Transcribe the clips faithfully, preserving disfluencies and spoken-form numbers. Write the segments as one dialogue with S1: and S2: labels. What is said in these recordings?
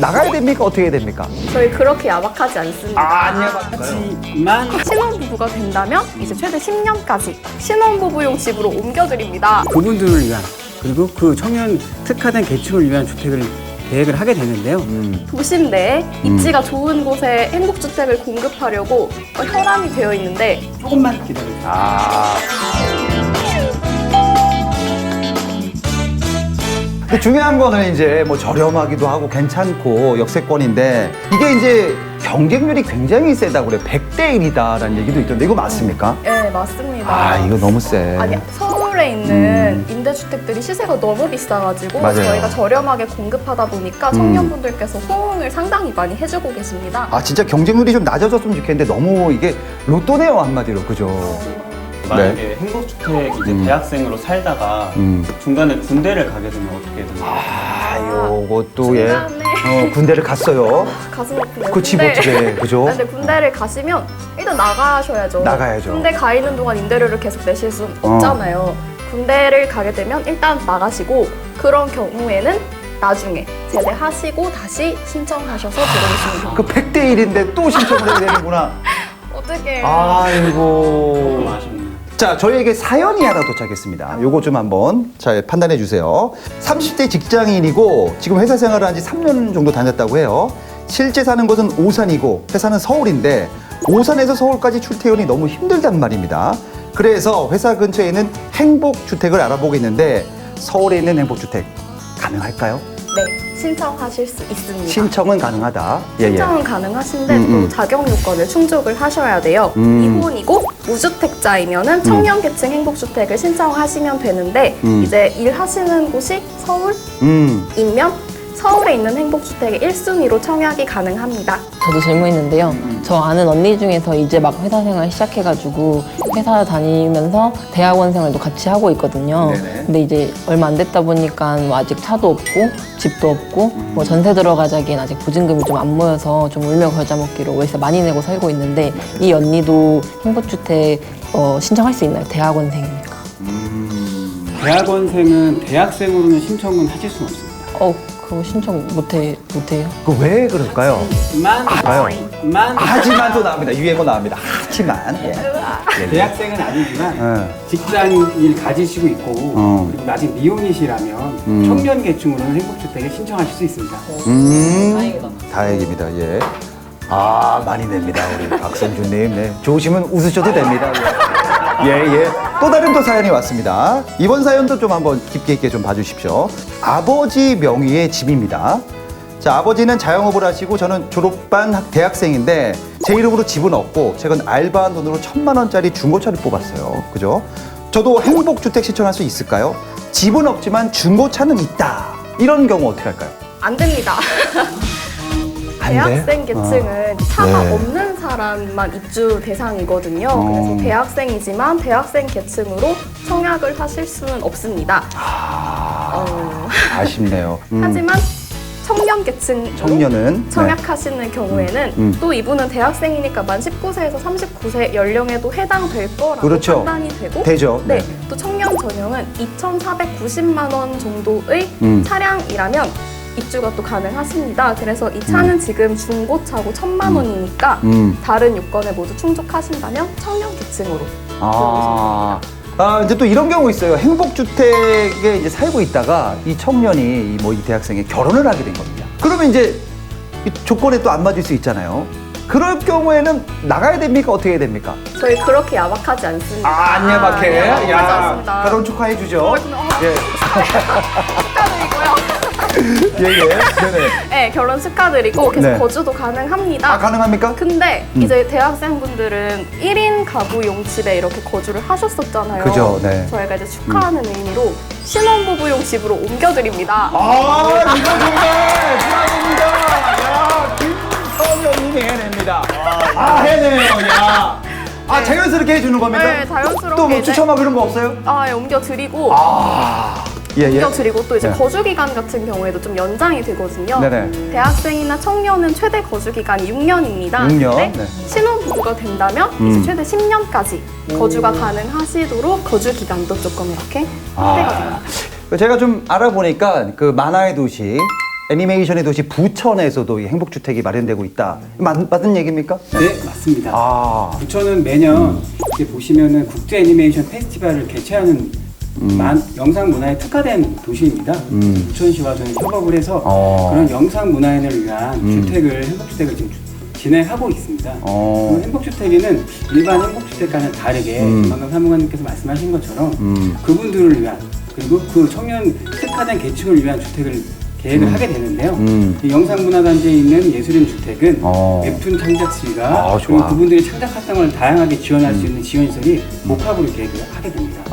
S1: 나가야 됩니까? 어떻게 해야 됩니까?
S2: 저희 그렇게 야박하지 않습니다.
S1: 아, 아니요.
S3: 하지만
S2: 신혼부부가 된다면 이제 최대 십 년까지 신혼부부용 집으로 옮겨드립니다.
S3: 그분들을 위한 그리고 그 청년 특화된 계층을 위한 주택을 계획을 하게 되는데요.
S1: 음.
S2: 도심 내에 입지가 좋은 곳에 행복주택을 공급하려고 혈안이 되어 있는데
S3: 조금만 기다려주세요.
S1: 아. 근데 중요한 거는 이제 뭐 저렴하기도 하고 괜찮고 역세권인데 이게 이제 경쟁률이 굉장히 세다고 그래요. 백 대 일이다라는 얘기도 있던데 이거 맞습니까?
S2: 네, 맞습니다.
S1: 아, 이거 너무 세.
S2: 아니, 서울에 있는 임대주택들이 시세가 너무 비싸가지고
S1: 맞아요.
S2: 저희가 저렴하게 공급하다 보니까 청년분들께서 호응을 상당히 많이 해주고 계십니다.
S1: 아, 진짜 경쟁률이 좀 낮아졌으면 좋겠는데 너무 이게 로또네요, 한마디로. 그죠?
S4: 만약에 행복주택 이제
S1: 음.
S4: 대학생으로 살다가
S1: 음.
S4: 중간에 군대를 가게 되면 어떻게 되나요?
S1: 아, 요것도 예.
S2: 중간에.
S1: 어, 군대를 갔어요.
S2: 가슴 아프네요.
S1: 그 집
S2: 군대-
S1: 어떻게 해, 그죠?
S2: 근데 군대를 가시면 일단 나가셔야죠.
S1: 나가야죠.
S2: 군대 가 있는 동안 임대료를 계속 내실 수 없잖아요. 군대를 가게 되면 일단 나가시고 그런 경우에는 나중에 제대하시고 다시 신청하셔서 들어오시면 됩니다.
S1: 그 백 대 일인데 또 신청을 해야 되는구나.
S2: 어떻게
S1: 아이고.
S4: 조금 아쉽네요.
S1: 자, 저희에게 사연이 하나 도착했습니다. 요거 좀 한번 잘 판단해 주세요. 삼십 대 직장인이고 지금 회사 생활을 한 지 삼 년 정도 다녔다고 해요. 실제 사는 곳은 오산이고 회사는 서울인데 오산에서 서울까지 출퇴근이 너무 힘들단 말입니다. 그래서 회사 근처에 있는 행복주택을 알아보고 있는데 서울에 있는 행복주택 가능할까요?
S2: 네, 신청하실 수 있습니다.
S1: 신청은 가능하다. 예, 예.
S2: 신청은 가능하신데
S1: 음, 음.
S2: 또 자격 요건을 충족을 하셔야 돼요.
S1: 음.
S2: 이혼이고 무주택자이면은 청년계층 행복주택을 신청하시면 되는데
S1: 음.
S2: 이제 일하시는 곳이 서울이면
S1: 음.
S2: 서울에 있는 행복주택의 일 순위로 청약이 가능합니다.
S5: 저도 질문 있는데요. 저 아는 언니 중에서 이제 막 회사 생활 시작해가지고 회사 다니면서 대학원 생활도 같이 하고 있거든요.
S1: 네네.
S5: 근데 이제 얼마 안 됐다 보니까 뭐 아직 차도 없고 집도 없고 뭐 전세 들어가자기엔 아직 보증금이 좀 안 모여서 좀 울며 겨자 먹기로 월세 많이 내고 살고 있는데 이 언니도 행복주택 어, 신청할 수 있나요? 대학원생이니까.
S3: 대학원생은 대학생으로는 신청은 하실 수는 없습니다.
S5: 어, 그거 신청 못해, 못해요?
S1: 그 왜 그럴까요?
S3: 하지만
S1: 봐요.
S3: 하지만
S1: 하지만 또 나옵니다. 유행어 나옵니다. 하지만. 예. 예.
S3: 대학생은 아니지만
S1: 예.
S3: 직장일 가지시고 있고
S1: 어.
S3: 그리고 아직 미혼이시라면
S1: 음.
S3: 청년 계층으로는 행복주택에 신청하실 수 있습니다.
S1: 음,
S5: 다행이다.
S1: 다행입니다. 예. 아, 많이 냅니다. 우리 박선주님. 네. 좋으시면 웃으셔도 됩니다. 예, 예. 또 다른 또 사연이 왔습니다. 이번 사연도 좀 한번 깊게 있게 좀 봐주십시오. 아버지 명의의 집입니다. 자, 아버지는 자영업을 하시고 저는 졸업반 학- 대학생인데 제 이름으로 집은 없고 최근 알바한 돈으로 천만 원짜리 중고차를 뽑았어요. 그죠? 저도 행복주택 신청할 수 있을까요? 집은 없지만 중고차는 있다. 이런 경우 어떻게 할까요?
S2: 안 됩니다.
S1: 안 돼?
S2: 대학생 계층은 차가
S1: 네.
S2: 없는 사람만 입주 대상이거든요.
S1: 어.
S2: 그래서 대학생이지만 대학생 계층으로 청약을 하실 수는 없습니다.
S1: 아,
S2: 어,
S1: 아쉽네요. 음,
S2: 하지만 청년 계층으로
S1: 청년은
S2: 청약하시는 경우에는
S1: 음.
S2: 또 이분은 대학생이니까 만 십구 세에서 삼십구 세 연령에도 해당될 거라고
S1: 그렇죠.
S2: 판단이 되고
S1: 되죠.
S2: 네,
S1: 네.
S2: 또 청년 전용은 이천사백구십만 원 정도의
S1: 음.
S2: 차량이라면 입주가 또 가능하십니다. 그래서 이 차는 지금 중고차고 천만 원이니까
S1: 음.
S2: 다른 요건을 모두 충족하신다면 청년 계층으로
S1: 아, 아, 이제 또 이런 경우 있어요. 행복주택에 이제 살고 있다가 이 청년이 뭐 이 대학생이 결혼을 하게 된 겁니다. 그러면 이제 이 조건에 또 안 맞을 수 있잖아요. 그럴 경우에는 나가야 됩니까? 어떻게 해야 됩니까?
S2: 저희 그렇게 야박하지 않습니다.
S1: 아, 안 야박해.
S2: 아, 야박하지 않습니다.
S1: 결혼 축하해 주죠.
S2: 어, 근데, 어,
S1: 예,
S2: 축하드리고요.
S1: 예, 예. 네네.
S2: 네, 결혼 축하드리고 계속
S1: 네.
S2: 거주도 가능합니다.
S1: 아, 가능합니까?
S2: 근데
S1: 음.
S2: 이제 대학생분들은 일 인 가구용 집에 이렇게 거주를 하셨었잖아요.
S1: 그죠, 네.
S2: 저희가 이제 축하하는 의미로 신혼부부용 집으로 옮겨드립니다.
S1: 아, 이거 정말 축하드립니다. 야, 김성현님이 해냅니다. 아, 해내요, 야. 아,
S2: 네.
S1: 자연스럽게 해주는 겁니까?
S2: 네, 자연스럽게
S1: 또 뭐
S2: 이제-
S1: 추첨하고 그런 거 없어요?
S2: 아, 예, 옮겨드리고
S1: 아, 예, 예.
S2: 옮겨드리고 또 이제
S1: 네.
S2: 거주기간 같은 경우에도 좀 연장이 되거든요.
S1: 네네.
S2: 대학생이나 청년은 최대 거주기간이 육 년입니다.
S1: 육 년?
S2: 근데
S1: 네.
S2: 신혼부부가 된다면
S1: 음.
S2: 이제 최대 십 년까지 거주가 가능하시도록 거주기간도 조금 이렇게 확대가 됩니다.
S1: 아, 제가 좀 알아보니까 그 만화의 도시 애니메이션의 도시 부천에서도 이 행복주택이 마련되고 있다. 맞, 맞는 얘기입니까?
S3: 네, 맞습니다.
S1: 아,
S3: 부천은 매년 이렇게 보시면은 국제 애니메이션 페스티벌을 개최하는 만- 영상 문화에 특화된 도시입니다.
S1: 음.
S3: 부천시와 저희 협업을 해서
S1: 어.
S3: 그런 영상 문화인을 위한
S1: 음.
S3: 주택을 행복주택을 지금 주- 진행하고 있습니다.
S1: 어.
S3: 그 행복주택에는 일반 행복주택과는 다르게
S1: 음.
S3: 방금 사무관님께서 말씀하신 것처럼
S1: 음.
S3: 그분들을 위한 그리고 그 청년 특화된 계층을 위한 주택을 계획을
S1: 음.
S3: 하게 되는데요.
S1: 음.
S3: 이 영상문화단지에 있는 예술인 주택은
S1: 어.
S3: 웹툰 창작실과
S1: 아,
S3: 그리고
S1: 좋아.
S3: 그분들의 창작 활동을 다양하게 지원할 수 있는 지원시설이 복합으로 계획을 하게 됩니다.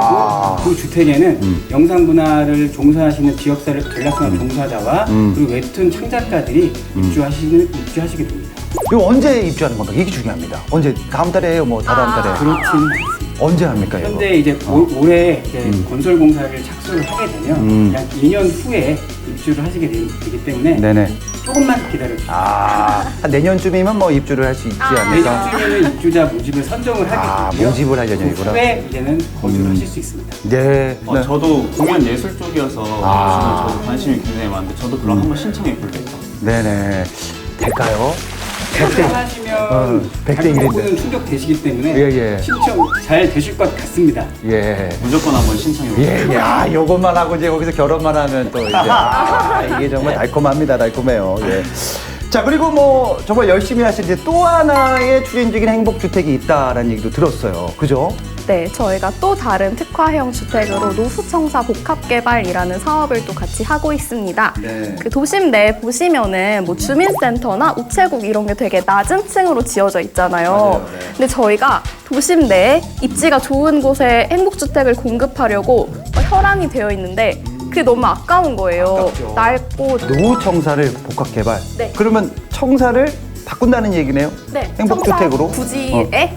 S1: 아.
S3: 그리고 그 주택에는
S1: 음.
S3: 영상문화를 종사하시는 지역사회 전략상업 종사자와
S1: 음.
S3: 그리고 웹툰 창작가들이 입주하시는, 입주하시게 됩니다.
S1: 이거 언제 입주하는 건가? 이게 중요합니다. 언제? 다음 달에요? 뭐 다다음
S2: 아.
S1: 달에?
S3: 그렇지는 않습니다.
S1: 언제 합니까 이거?
S3: 현재 이제 올- 올해 이제 건설 공사를 착수를 하게 되면
S1: 음.
S3: 약 이 년 후에 입주를 하시게 되, 기 때문에
S1: 네네.
S3: 조금만 기다려 주세요.
S1: 아, 한 내년쯤이면 뭐 입주를 할 수 있지 않을까?
S3: 내년쯤에는 입주자 모집을 선정을 하게
S1: 아,
S3: 되고요.
S1: 모집을 할 예정이구나.
S3: 그 후에 이제는 거주를
S1: 음.
S3: 하실 수 있습니다.
S1: 네.
S4: 어,
S1: 네.
S4: 저도 공연 예술 쪽이어서
S1: 아.
S4: 저도 관심이 굉장히 많은데 저도 그럼 한번 신청해 볼게요.
S1: 네네. 될까요? 백 대.
S3: 하시면
S1: 어, 백 대 일인데.
S3: 가격은 충족 되시기 때문에
S1: 예, 예.
S3: 신청 잘 되실 것 같습니다.
S1: 예.
S4: 무조건 한번 신청해 볼게요.
S1: 예, 예. 아, 요것만 하고 이제 거기서 결혼만 하면 또 이제. 아, 이게 정말 달콤합니다. 달콤해요. 예. 자, 그리고 뭐 정말 열심히 하신 이제 또 하나의 추진적인 행복주택이 있다라는 얘기도 들었어요. 그죠?
S2: 네, 저희가 또 다른 특화형 주택으로 노후청사 복합개발이라는 사업을 또 같이 하고 있습니다.
S1: 네.
S2: 그 도심 내에 보시면은 뭐 주민센터나 우체국 이런 게 되게 낮은 층으로 지어져 있잖아요.
S1: 맞아요, 네.
S2: 근데 저희가 도심 내에 입지가 좋은 곳에 행복주택을 공급하려고 혈안이 되어 있는데 그게 너무 아까운 거예요.
S1: 아깝죠.
S2: 낡고
S1: 노후 청사를 복합 개발.
S2: 네.
S1: 그러면 청사를 바꾼다는 얘기네요.
S2: 네,
S1: 행복주택으로?
S2: 청사 부지에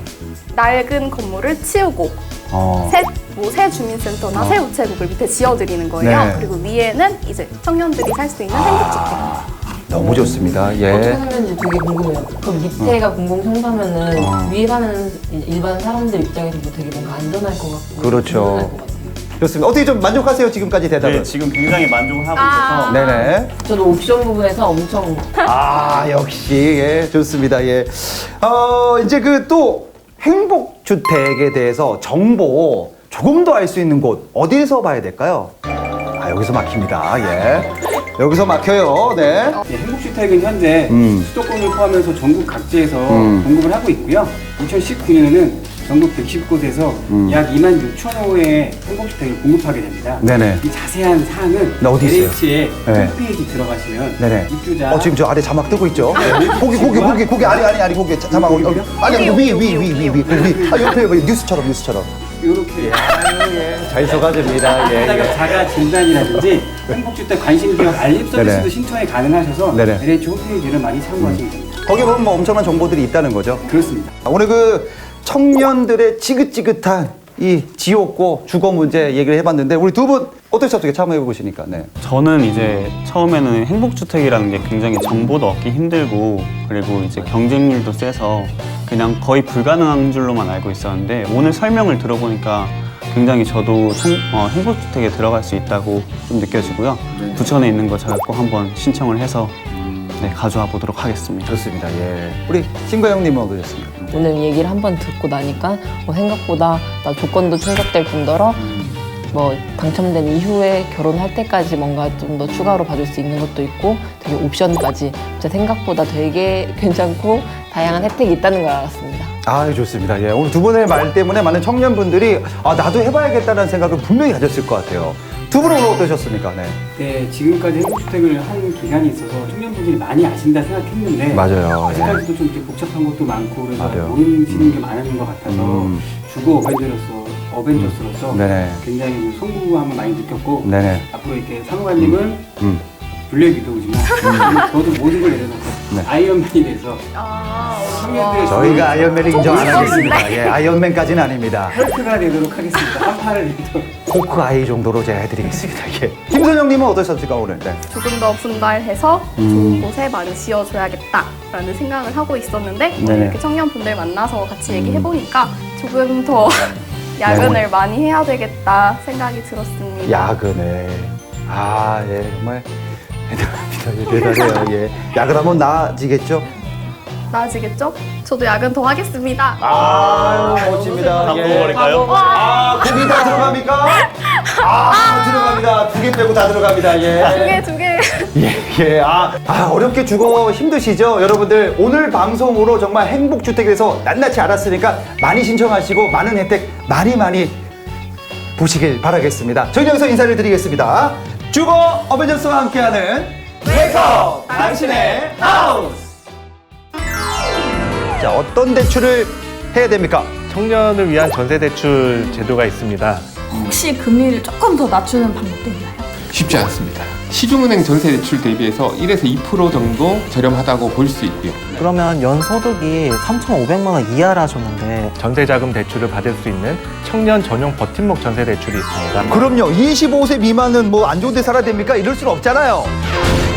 S2: 낡은 건물을 치우고
S1: 어.
S2: 새, 뭐, 새 주민센터나
S1: 어.
S2: 새 우체국을 밑에 지어드리는 거예요.
S1: 네.
S2: 그리고 위에는 이제 청년들이 살 수 있는 행복주택.
S1: 너무 좋습니다.
S5: 어떻게
S1: 예.
S5: 하는지 되게 궁금해요. 그럼 밑에가 공공청사면은
S1: 어.
S5: 위에 가면 일반 사람들 입장에서도 되게 뭔가 안전할 것 같고
S1: 그렇죠.
S5: 든든할 것 같아요.
S1: 좋습니다. 어떻게 좀 만족하세요? 지금까지 대답은?
S4: 네, 지금 굉장히 만족을 하고
S2: 아.
S4: 있어서
S1: 네네.
S5: 저도 옵션 부분에서 엄청
S1: 아, 역시, 예, 좋습니다. 예. 어, 이제 그 또 행복주택에 대해서 정보 조금 더 알 수 있는 곳, 어디에서 봐야 될까요? 아, 여기서 막힙니다. 예. 여기서 막혀요. 네.
S3: 예, 행복주택은 현재
S1: 음.
S3: 수도권을 포함해서 전국 각지에서
S1: 음.
S3: 공급을 하고 있고요. 이천십구 년에는 전국 백십 곳에서
S1: 음.
S3: 약 이만 육천 호의 행복주택을 공급하게 됩니다.
S1: 네네.
S3: 이 자세한 사항은
S1: 네, 어디 있어요?
S3: 엘에이치의
S1: 네.
S3: 홈페이지 들어가시면
S1: 네네.
S3: 입주자
S1: 어, 지금 저 아래 자막 뜨고 있죠? 고기, 고기, 고기, 고기, 아니, 아니, 아니, 고기, 자- 자막, 어, 어, 아니, 아니, 위, 위, 위, 위, 위, 위. 아, 옆에, 여기 뉴스처럼, 뉴스처럼.
S3: 이렇게
S1: 잘 속아줍니다. 예,
S3: 자가,
S1: 예.
S3: 자가 진단이라든지 행복주택 관심 기업 알림 서비스도
S1: 네네.
S3: 신청이 가능하셔서
S1: 네네.
S3: 엘에이치 홈페이지를 많이 참고하시면 됩니다.
S1: 거기 보면 뭐 엄청난 정보들이 있다는 거죠.
S3: 그렇습니다.
S1: 오늘 그 청년들의 지긋지긋한 이 지옥고 주거 문제 얘기를 해봤는데 우리 두 분 어떠셨어요? 어떻게 참여해 보시니까. 네.
S4: 저는 이제 처음에는 행복주택이라는 게 굉장히 정보도 얻기 힘들고 그리고 이제 경쟁률도 세서 그냥 거의 불가능한 줄로만 알고 있었는데 오늘 설명을 들어보니까 굉장히 저도 청, 어, 행복주택에 들어갈 수 있다고 좀 느껴지고요. 부천에 있는 거 제가 꼭 한번 신청을 해서 네, 가져와 보도록 하겠습니다.
S1: 좋습니다. 예. 우리 신과 형님은 어떠셨습니까?
S5: 오늘 얘기를 한번 듣고 나니까 뭐 생각보다 나 조건도 충족될 뿐더러 뭐 당첨된 이후에 결혼할 때까지 뭔가 좀 더 추가로 받을 수 있는 것도 있고 되게 옵션까지 진짜 생각보다 되게 괜찮고 다양한 혜택이 있다는 걸 알았습니다.
S1: 아, 좋습니다. 예. 오늘 두 분의 말 때문에 많은 청년분들이 아, 나도 해봐야겠다는 생각을 분명히 가졌을 것 같아요. 두 분은 오늘 어떠셨습니까? 네.
S3: 네, 지금까지 행복주택을 한 기간이 있어서 청년분들이 많이 아신다 생각했는데
S1: 맞아요.
S3: 아직까지도 좀 이렇게 복잡한 것도 많고 그래서
S1: 맞아요.
S3: 모르시는 게 많은 것 같아서
S1: 음.
S3: 주거 어벤져로서 어벤져스로서
S1: 네네.
S3: 굉장히 송구함을 많이 느꼈고
S1: 네네.
S3: 앞으로 이렇게 사무관님은
S1: 음.
S3: 블랙 위도우지만 저도 모든 걸 내려놓고
S1: 네.
S3: 아이언맨이 돼서
S2: 아,
S3: 청년들의
S1: 저희가 아이언맨을 인정 안
S2: 조금
S1: 하겠습니다.
S2: 무서운데?
S1: 예, 아이언맨까지는 아닙니다.
S3: 헐크가 되도록 하겠습니다. 한 팔을 내도록.
S1: 호크 아이 정도로 제가 해드리겠습니다. 예. 김선영님은 어떠셨습니까 오늘? 네.
S2: 조금 더 분발해서
S1: 음.
S2: 좋은 곳에 많이 지어줘야겠다라는 생각을 하고 있었는데 오늘
S1: 네네.
S2: 이렇게 청년분들 만나서 같이 얘기해보니까 조금 더 야근을 많이 해야 되겠다 생각이 들었습니다.
S1: 야근을. 아, 예, 정말 대단합니다. 예, 대단해요. 예. 약을 하면 나아지겠죠?
S2: 나아지겠죠? 저도 야근 더 하겠습니다.
S1: 아, 멋집니다.
S4: 다
S1: 예.
S4: 먹어버릴까요?
S1: 아, 고기 다 들어갑니까? 아, 들어갑니다. 두 개 빼고 다 들어갑니다.
S2: 두
S1: 예.
S2: 개, 두 개.
S1: 예, 예. 아, 아, 어렵게 주거 힘드시죠? 여러분들, 오늘 방송으로 정말 행복주택에 대해서 낱낱이 알았으니까 많이 신청하시고 많은 혜택 많이 많이 보시길 바라겠습니다. 저희 여기서 인사를 드리겠습니다. 주거 어벤져스와 함께하는 웨이크업 당신의 하우스! 자, 어떤 대출을 해야 됩니까?
S6: 청년을 위한 전세대출 제도가 있습니다.
S7: 혹시 금리를 조금 더 낮추는 방법도 있나요?
S8: 쉽지 않습니다. 시중은행 전세 대출 대비해서 일에서 이 퍼센트 정도 저렴하다고 볼 수 있고요.
S9: 그러면 연소득이 삼천오백만 원 이하라 하셨는데
S6: 전세자금 대출을 받을 수 있는 청년 전용 버팀목 전세대출이 있습니다.
S1: 그럼요. 이십오 세 미만은 뭐 안 좋은 데 살아야 됩니까? 이럴 수는 없잖아요.